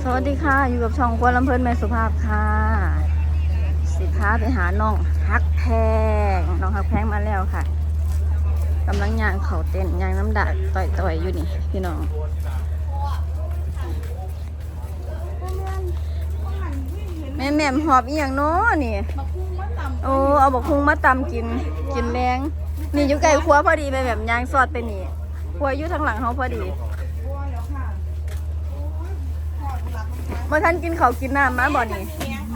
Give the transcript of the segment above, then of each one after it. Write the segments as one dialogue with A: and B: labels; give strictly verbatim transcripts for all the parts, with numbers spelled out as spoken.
A: สวัสดีค่ะอยู่กับช่องครัวลำเพลินแม่สุภาพค่ะสิพาไปหาน้องฮักแพงน้องฮักแพงมาแล้วค่ะกำลังย่างเขาเต้นย่างน้ำดาดต่อยๆอยู่นี่พี่น้องแม่แม่หอบอีหยังเนาะนี่โอ้เอาบักพุงมาตำกินกินแรงนี่อยู่ใกล้ครัวพอดีไปแบบย่างซอดไปนี่ครัวอยู่ทางหลังเขาพอดีเมื่อท่านกินเขากินน้ำมาบ่นี่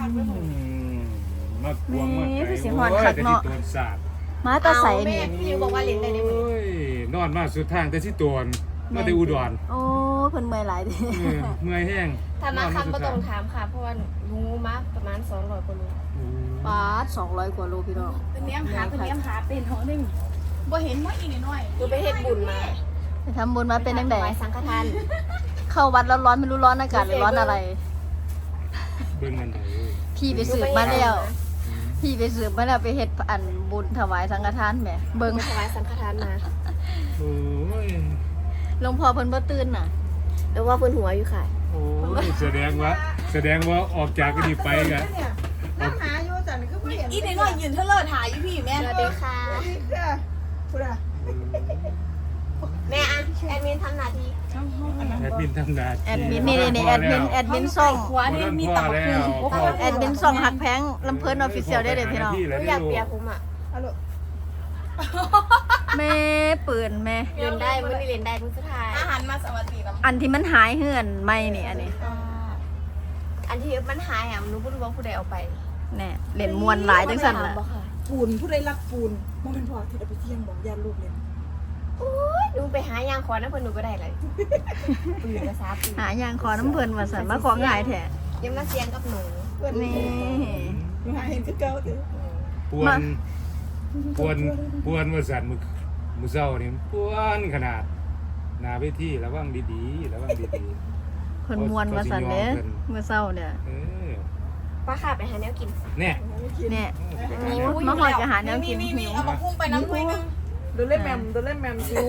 A: นี่คือสิหอนคักเนาะมาตาใสนี่
B: พี่บอกว่าเล่นได้ในมือนอนมาสุดทางแต่ที่ตัวนมาแต่อุดร
A: โอ้เพิ่นเมื่อยหลายดิ
B: เมื่อยแห้ง
C: ถามมาคำก็ต้องถามค่ะเพราะว่ารู้มาประมาณสองร้อยกว่าโล
A: ปาดสองร้อยกว่าโลพี่น้อง
D: เป็นเลี้ยงหาเป็นเลี้ยงหาเป็นของนึงบ่เห็นว่าอีกน้อย
C: ดูไปเฮ็ดบุญมา
A: ไปทำบุญมาเป็นจังได๋
C: สังฆทาน
A: เข้าวัดร้อนๆไม่รู้ร้อนอากาศหรือร้อนอะไร
B: เบิ่งกันได้
A: พี่ไปสืบมาแล้วพี่ไปสืบมาแล้วไปเฮ็ดอันบุญถวายสังฆทานแหมเบิ่ง
C: ถวายสังฆทานมา
B: โอ้ย
A: หลวงพ่อเพิ่นบ่ตื่นน่ะ
C: หรือว่าเพิ่นหัวอยู่ค่ะ
B: โอ้ยแสดงว่าแสดงว่าออกจากกันนี่ไปกัน
D: น้ำหาอยู่จันก็บ่เห็นอีน้อยยืนเทเลอร์ถ่ายอยู่พี่แม่
C: สวัสดีค่ะ
D: สวัสดีค่ะพุทธะ
C: แม่อะแอดมินทำหน้าที่
B: แอดมินทำหน้าที่
A: แอดมินนี่นี่แอดมินแอดมินส่ง
D: หัวนี่มีตับคู่
A: แอดมินส่งหักแพงลำเพิ่นออฟฟิเชียลได้เลยพี่น้อง
C: อยากเปียกผมอ่ะ
D: ฮัลโหล
A: แม่ปืนแม่
C: เล่นได้มื้อนี้เล่นได้มื้อสุดท้าย
D: อาหารมาสวัสดีแล้ว
A: อันที่มันหายเหือนไม่นี่อันนี้
C: อันที่มันหายอ่ะหนูบ่รู้ว่าผู้ใดเอาไป
A: แน่เล่นมวนหลายจังซั่นล่ะ
D: ปูนผู้ใดรักปูนบ่เป็นพอที่จะไปเที่ยงบอกญาติลูกเลย
C: โอ้ยหนูไปหายางขอน้ำเพิ่นหนูก็ได้เลยปืนภาษาปืน
A: หายางขอน้ำเพิ่นว่าซั่นมาของง่ายแท้
C: ยังมาเสียงกับหนู
A: นี่
D: หาเห็นคือเก่าติ
B: ปวนปวนปวนว่าสั่นมื้อมื้อเช้านี่ปวนขนาดหน้าเวทีระวังดีๆระวังดีๆ
A: เพิ่นม่วนว่าซั่นเด้มื้อเช้าเนี่ย
B: เออ
C: ป้าค่ะไปหาแนวกิน
B: แน่
A: แน่มาฮอดก็หาแนวกินหิว
D: เอามาพุ่งไปน้ำถ้วยนึงโดนเล่นแมมโดนเล่นแมมหิว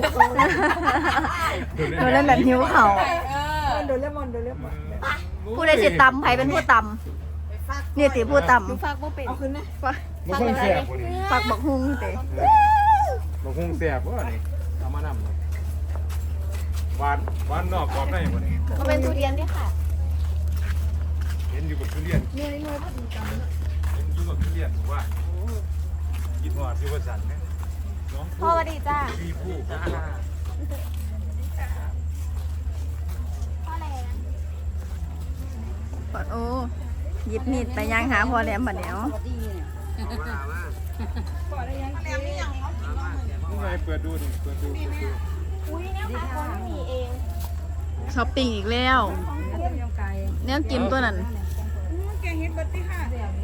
A: โดนเล่นแบบหิวเขา
D: โดนเล่นมอนโดนเล่นมอน
A: ผู้ใดสิตำใครเป็นผู้ตำเนี่ยติผู้ตำ
C: หนูฝากบ่เป็น
D: เอาขึ้นนะ
B: บ่คงแซ่บบ่นี่
A: ฝากบักฮุ้งติ
B: บ่คงแซ่บบ่นี่เอามานำหวานหวานนอกกรอบในบ่นี่
C: ก็เป็นทุเรียนด้วยค่ะ
B: เห็นอยู่กับทุเรียน
D: เหนื่อยเหนื่อยพอดีกัน
B: เห็นอยู่กับทุเรียนว่ากินหอดที่ว่าสั่นเนี่ย
C: พ่อสวัสดีจ้า
B: พี่ผู้พ่อ
C: อะไรนะ
A: ปอดโอ้หยิบมีดไปย่างหาพ่อแหลมบัดเดี๋ยว
B: นี่ไงเปิดดูดิเปิดดู
C: อุ้ยเนี่ยค่ะคนมีเอง
A: ช้อปปิ้งอีกแล้วเนี่ยกินตัวนั้น
D: แกงเห็ดบัตตี้ค่ะ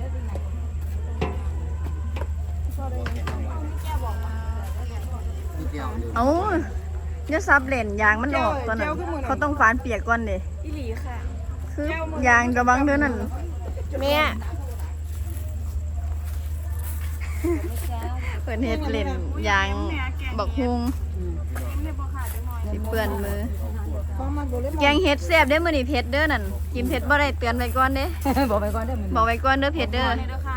A: เอาเนี่ยซับเลนยางมันออกตอนนั้นเขาต้องฟานเปียกก่อนเด้
C: อีหลีค่ะ
A: คือยางกระบังเท่านั้น
C: แม่
A: เปิดเฮ็ดเลนยางบักฮุงสิเปื้อนมือแกงเฮ็ดแซ่บเด้อมื้อนี้เผ็ดเด้อนั่นกินเผ็ดบ่ได้เตือนไว้ก่อนเด้
D: บอกไว้ก่อนเด้อ
A: บอกไว้ก่อนเด้อเผ็ดเด้อ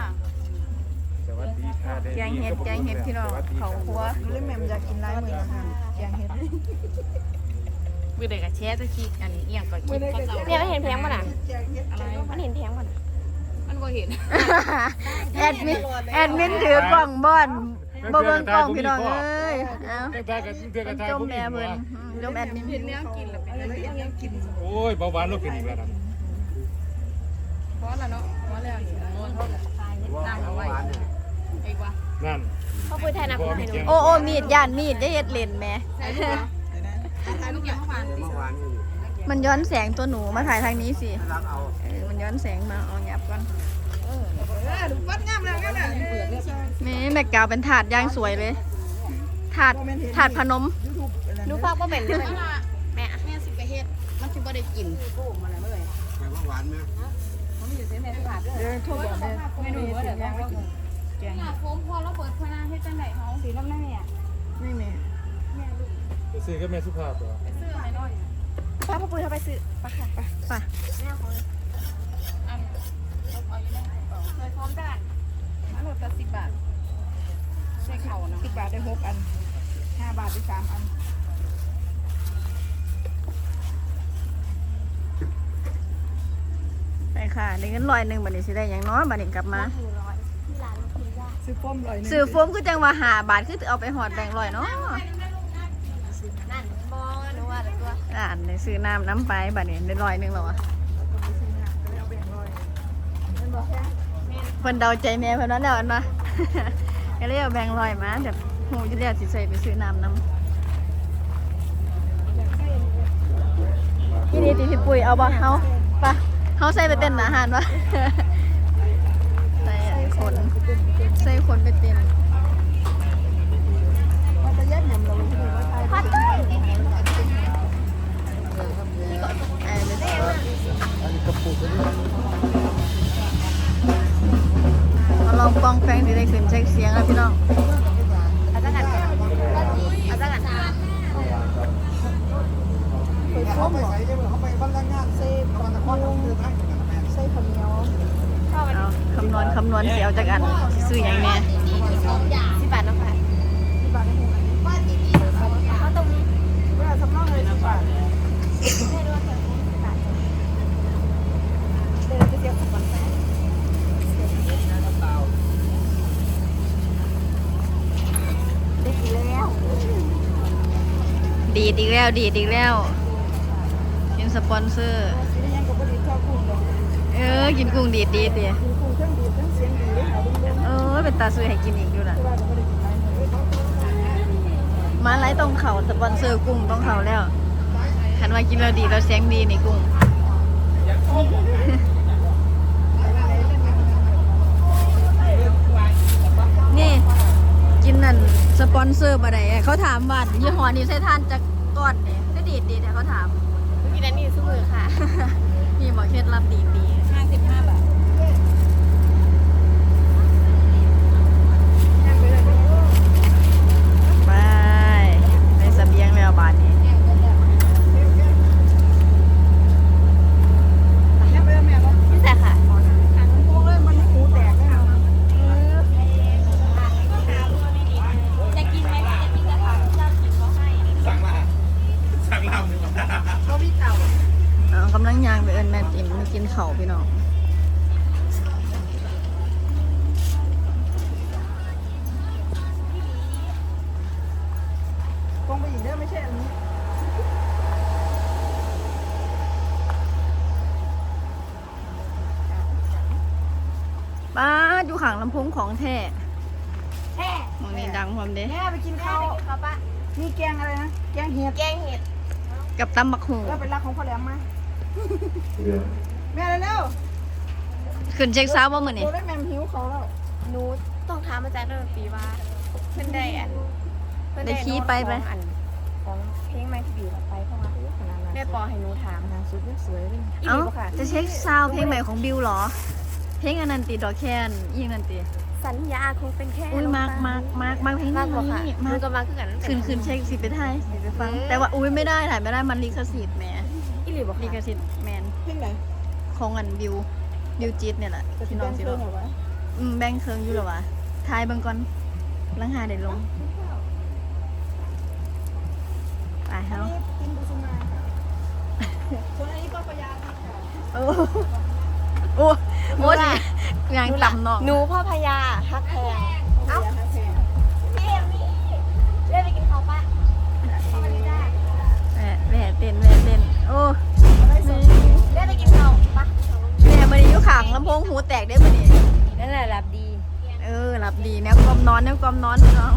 A: แกงเห็ดแกงเห็ดพี่น้องเขาครัว
D: เล่นแมมอยากกินไร้มือนะคะแกงเห็ด
A: มือเด็กกับแช่ตะกี้อันนี้เอียงก่อนคิด
C: เนี่ยมันเห็นแพงป่ะน่ะมันเห็นแพงป่ะน่ะ
D: มันก็เห็น
A: แอดมินแอดมินถือกล่องบอนบ่เบิ่งกล่องพี่น้องเอ้ยเอาจมแม่เพิ่นจมแอดมิน
D: เห็นแนวกินหรือเป็นอะไรแนวกิน
B: โอ้ยเบาหวานเราเป็นอีกแล้วนะ
D: เพราะแล้วเนาะเพราะแล้วอยู่โน่นตั้งเอาไว้ไอ้กว่า
B: นั่น
C: เขาคุยไทยนะคุยไทย
A: โอ้โอ้มีดย่านมีดได้เฮ็ดเลนแม่มันย้อนแสงตัวหนูมาถ่ายทางนี้สิเออมันย้อนแสงมาเอาหยับก่อน
D: เออวัดงามแล้วกันน่ะ
A: แม่แม่กาวเป็นถาดย่างสวยเลยถาดถาดพนม
C: หนูฟังบ่เป็นเลยแม่
D: แม่สิไปเฮ็ดมันสิบ่ได้กินโก้มาแล้วเมื่อไหร่
B: ไปว่าหวานมั้ย
D: มันมีอยู่เส้นแม่ถาดเด้อโทษบอกเด้อไม่รู้ว่าเดี๋ยวว่าแกงโฟมพอแล้วเปิดพนาเฮ็ดจังได๋เฮาสีน้ำแม่ไม่แม่
B: ไปซื้อกับแม่สุภาพเหรอ
D: ไปซื้อให้หน่อย
C: ป้าพ่อปุ้ยเขาไปซื้อปะค่ะไป
A: ไป
C: แม่ของ
D: อันเอาอยู่ในกระเป๋าเคยพร้อมด้านมาโหลดละสิบบาทใส่เข่านะ
E: สิบบาทได้หกอันห้าบาทได้สามอัน
A: ไปค่ะได้เงินร้อยหนึ่งบัดนี้สิได้อย่างน้อยบัดนี้กลับมา
C: หนึ่งร้อยที่ร้านลูกคุณย่า
E: ซื้อป้อมลอยหนึง
A: ซื้อโฟมคือจังว่าหาบาทคือเอาไปหอดแบ่งร้อยเนาะ
C: นั่นบอหนูว่าแต่ตัว
A: อ่านได้ซื้อน้ำน้ำไปบัดนี้ได้ร้อยหนึ่งแล้วอะ
C: มันบอกแค่
A: เพิ่นเดาใจแม่เพิ่นนั้นแล้วอันวะ ก็เลยเอาแบ่งร้อยมาแบบหูจะเรียกสิใส่ไปซื้อน้ำน้ำที่นี่ตีพี่ปุ๋ยเอาบ่เฮาปะเฮาใส่ไปเต้นอาหารวะ ใส่คนใส่คนไปเต้น
E: มันจะแยกยำเราเลยที่ว่าไทย
C: พัดเลย
A: ไอ้เด้อมาลองปองแปงที่ได้ขึ้นเช็คเสียงแล้วพี่น้อง
C: เอาจักกันเอาจักกัน
E: เคยป้อมเหรอเขาไปบ้านงานเซ่ตอนนครเขาคือให้เซ่คนเหนียว
C: ชอบอัน
A: เอาคำนวณคำนวณเสียวจากอันสิซื้ออย่างแน่
C: สิบบาทน้องค่ะ
E: สิบบาทได้หกอัน
C: เขาตรงนี้
E: เวลาสำรองเลยสิบบาท
C: ให้ด้วยแค่สิบบาท
E: เดินไปเที่ยวสิบบาท
C: ได้กี่แล้ว
A: ดีดอีกแล้วดีดอีกแล้วกินสปอนเซอร์
E: ซื้อยังกับบริษัทกุ้งเลย
A: เออกินกุ้งดีดดีดดิ
E: กินกุ้งเครื่องดีเครื่องเสียงดีเลยค่ะดุ้งๆ
A: เออเป็นตาซื้อให้กินอีกอยู่ล่ะ
E: ที่ว่าจะไม่ได้กินอะไรเลย
A: มาไล่ตรงเขาสปอนเซอร์กุ้งตรงเขาแล้วคันว่ากินแล้วดีแล้วเสียงดีนี่กุ้ง นี่กินนั่นสปอนเซอร์บ่ได้เขาถามว่ายี่ห้อนี้ใช้ทานจากก้อนนี่ก็ดีดดีแต่เขาถาม
C: กินอันนี้สู้มือค่ะ
A: นี่บอกเคล็ดลับดีดี
D: ห้าสิบห้าบาท
A: ไปในเสบียงแล้วบาทนี้
C: นี่แต่ค่ะ
E: พวกเลยมันหูแตกเลยค่ะ
C: จะกินไหมจะกินกระถางเจ้ากินเขาให้
E: ก็พี่เต่า
A: เอากำลังยางไปเอิญแม่ติ๋มมากินเข่าวพี่น้อง
E: ตรงไปอีกเด้อไม่ใช่อันนี้
A: ป้าดอยู่ข้างลำโพงของแท้
C: แช่
A: มองนี่ดังความเด้
E: แม่ไปกิน
C: แม่
E: ข้าว
C: ไปกินข้าวปะ
E: มีแกงอะไรนะ แกงเห็ด
C: แกงเห็ด
A: กับตำบักหู
E: แล้วเป็นรักของพ่อแหลมมาแม่เร็ว
A: ขึ้นเช็คซ้าว่ามือ
E: ๆ
A: นี่
E: โดนได้แมมหิวเขาแล้ว
C: หนูต้องถามอาจารย์ดนตรีว่าเพื่อนได้อันเพื่อน
A: ได้ขี้ไปไป
C: ของอันของเพลงไม่ที่บีเราไปเพราะว่าแม่ปอให้หนูถาม
E: นางสุดสวยเลย
C: อี
A: เอ้า
C: หลีบ่ค่ะ
A: จะเช็คซาวด์เพลงใหม่ของบิวเหรอ เพลงอันนันตีดอกแคนยิ่งนันตี
C: สัญญาคงเป็นแค่
A: อุ้ยมากมากมากมากเพลง
C: มากกว่าค่ะ
A: นี้
C: ห
A: มา
C: นู
A: ก
C: ก็มาคือกันตั้งแต่
A: ขึ้นขึ้นเช็คสิไปไทยสิไปฟัง
C: เออ
A: แต่ว่าอุ้ยไม่ได้ถ่ายไม่ได้มันลิขสิทธิ์แหม
C: อีหลีบ่
A: ลิข
C: ค่ะ
A: สิทธิ์แมน
E: เพ่งไหน
A: ของอันบิวบิวจิตเนี่ยแหละ
E: จะ
A: พี่
E: แบ
A: น้อง
E: ง
A: สิ
E: เคิ
A: บ
E: งเหรอวะ
A: อืมแบงค์เคิงอยู่เหรอวะทายเบิ่งก่อนลังหาเดี๋ยวลงไปเฮา
E: กินบุษมาค่ะส่วนอันนี้ก็พยาค่ะ
A: โอ้โอ้โอ้สิยางต่ำเนาะ
C: หนูพ่อพญาฮักแพงเอ้าพี่เอ็มมี่เล่นไปกินข้าวปะสวัสดีจ้า
A: แหม่แหม่เต้นแหม่เต้นโอ้
C: เล่นไปกินข้าวปะ
A: แหม่มันอยู่ข้างลำโพงหูแตกได้บ่นี่
C: นั่นแหละรับดี
A: เออหลับดีแนวกลมนอนแนวกลมนอนพี่น้อง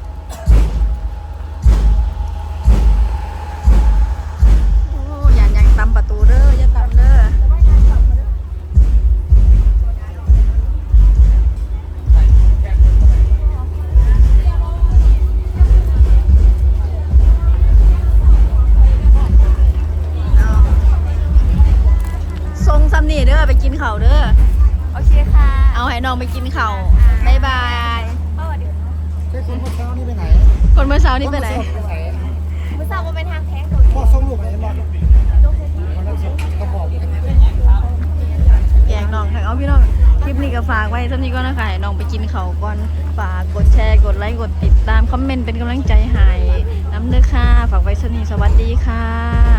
A: โอ้อย่ายังตำประตูเด้ออย่าตำเด้อเอาทรงซ้ำนี่เด้อไปกินข้าวเด้อ
C: โอเคค่ะ
A: เอาให้น้องไปกินข้าวบายบาย
C: พ่อเดี๋ยว
E: ใช่คนเมื่อเช้านี่ไปไหน
A: คนเมื่อเช้านี่ไปไหน
C: มือสาวว่าเป็นทางแท้งตัว
E: พ่อส่งลูกไหนบอก
C: จง
A: ฝากไว้เท่านี้ก็นะคะให้น้องไปกินเขาวก่อนฝากกดแชร์กดไลค์กดติดตามคอมเมนต์เป็นกำลังใจให้น้ำเด้อค่ะฝากไว้เท่านี้สวัสดีค่ะ